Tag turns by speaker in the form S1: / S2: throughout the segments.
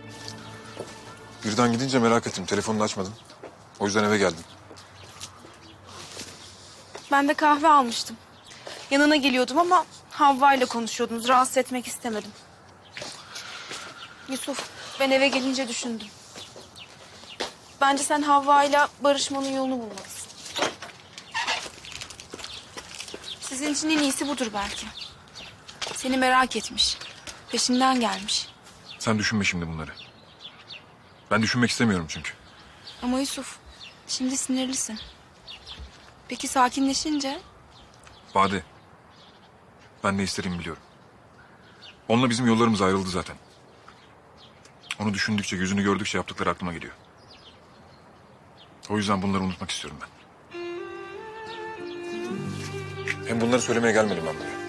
S1: Birden gidince merak ettim. Telefonunu açmadın. O yüzden eve geldim.
S2: Ben de kahve almıştım. Yanına geliyordum ama Havva ile konuşuyordunuz. Rahatsız etmek istemedim. Yusuf, ben eve gelince düşündüm. Bence sen Havva ile barışmanın yolunu bulmalısın. Sizin için en iyisi budur belki. Seni merak etmiş. Peşinden gelmiş.
S1: Sen düşünme şimdi bunları. Ben düşünmek istemiyorum çünkü.
S2: Ama Yusuf, şimdi sinirlisin. Peki sakinleşince?
S1: Bade. Ben ne istediğimi biliyorum. Onunla bizim yollarımız ayrıldı zaten. Onu düşündükçe, yüzünü gördükçe yaptıkları aklıma geliyor. O yüzden bunları unutmak istiyorum ben. Hem bunları söylemeye gelmedim ben buraya.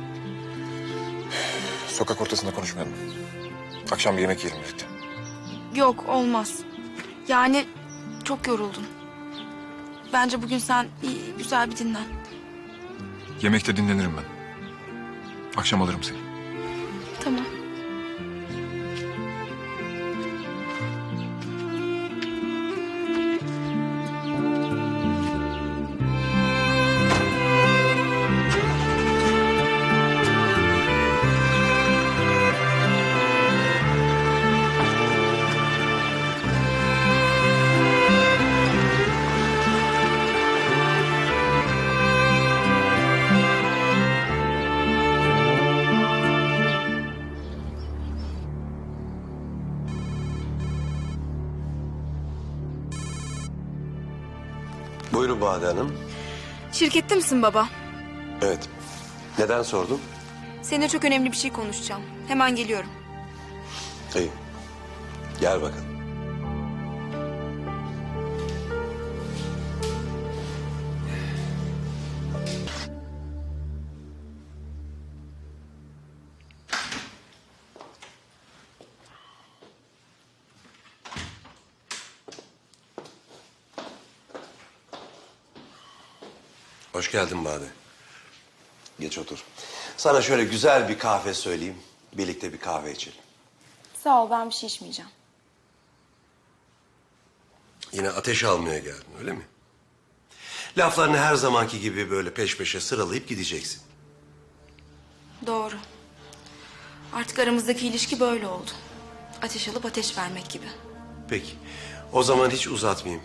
S1: Sokak ortasında konuşmayalım. Akşam bir yemek yiyelim birlikte.
S2: Yok, olmaz. Yani çok yoruldun. Bence bugün sen güzel bir dinlen.
S1: Yemekte dinlenirim ben. Akşam alırım seni.
S2: Tamam.
S3: Buyurun Bade Hanım.
S2: Şirkette misin baba?
S3: Evet. Neden sordun?
S2: Seninle çok önemli bir şey konuşacağım. Hemen geliyorum.
S3: İyi. Gel bakalım. Hoş geldin Bade. Geç otur. Sana şöyle güzel bir kahve söyleyeyim. Birlikte bir kahve içelim.
S2: Sağ ol, ben bir şey içmeyeceğim.
S3: Yine ateş almaya geldin öyle mi? Laflarını her zamanki gibi böyle peş peşe sıralayıp gideceksin.
S2: Doğru. Artık aramızdaki ilişki böyle oldu. Ateş alıp ateş vermek gibi.
S3: Peki. O zaman hiç uzatmayayım.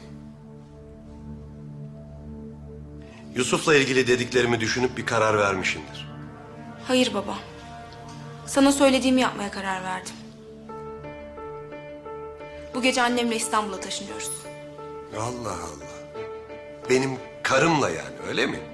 S3: Yusuf'la ilgili dediklerimi düşünüp bir karar vermişsindir.
S2: Hayır baba. Sana söylediğimi yapmaya karar verdim. Bu gece annemle İstanbul'a taşınıyoruz.
S3: Allah Allah. Benim karımla yani öyle mi?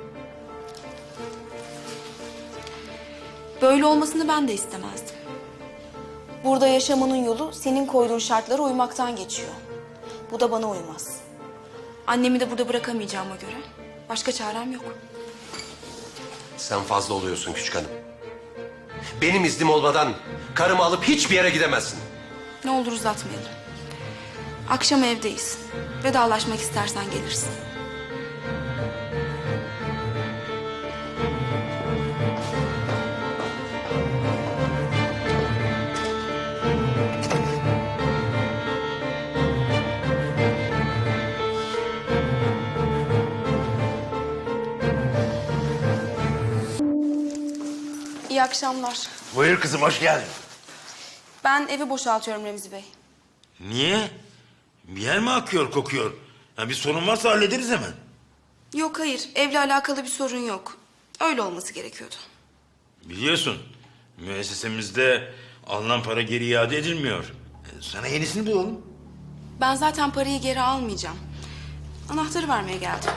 S2: Böyle olmasını ben de istemezdim. Burada yaşamanın yolu senin koyduğun şartlara uymaktan geçiyor. Bu da bana uymaz. Annemi de burada bırakamayacağıma göre başka çarem yok.
S3: Sen fazla oluyorsun küçük hanım. Benim iznim olmadan karımı alıp hiçbir yere gidemezsin.
S2: Ne olur uzatmayalım. Akşam evdeyiz. Vedalaşmak istersen gelirsin. İyi akşamlar.
S4: Buyur kızım, hoş geldin.
S2: Ben evi boşaltıyorum Remzi Bey.
S4: Niye? Bir yer mi akıyor, kokuyor? Ya bir sorun varsa hallederiz hemen.
S2: Yok hayır, evle alakalı bir sorun yok. Öyle olması gerekiyordu.
S4: Biliyorsun, müessesemizde alınan para geri iade edilmiyor. Sana yenisini bulalım.
S2: Ben zaten parayı geri almayacağım. Anahtarı vermeye geldim.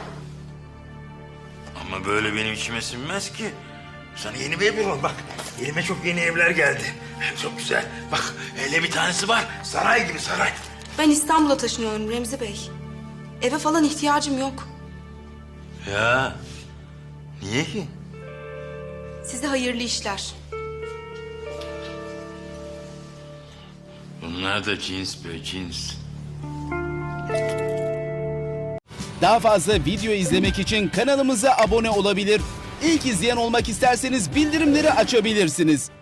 S4: Ama böyle benim içime sinmez ki. Sana yeni bir ev bulalım. Bak, elime çok yeni evler geldi. Çok güzel. Bak, hele bir tanesi var. Saray gibi saray.
S2: Ben İstanbul'a taşınıyorum Remzi Bey. Eve falan ihtiyacım yok.
S4: Ya, niye ki?
S2: Size hayırlı işler.
S4: Bunlar da cins be, cins.
S5: Daha fazla video izlemek için kanalımıza abone olabilir. İlk izleyen olmak isterseniz bildirimleri açabilirsiniz.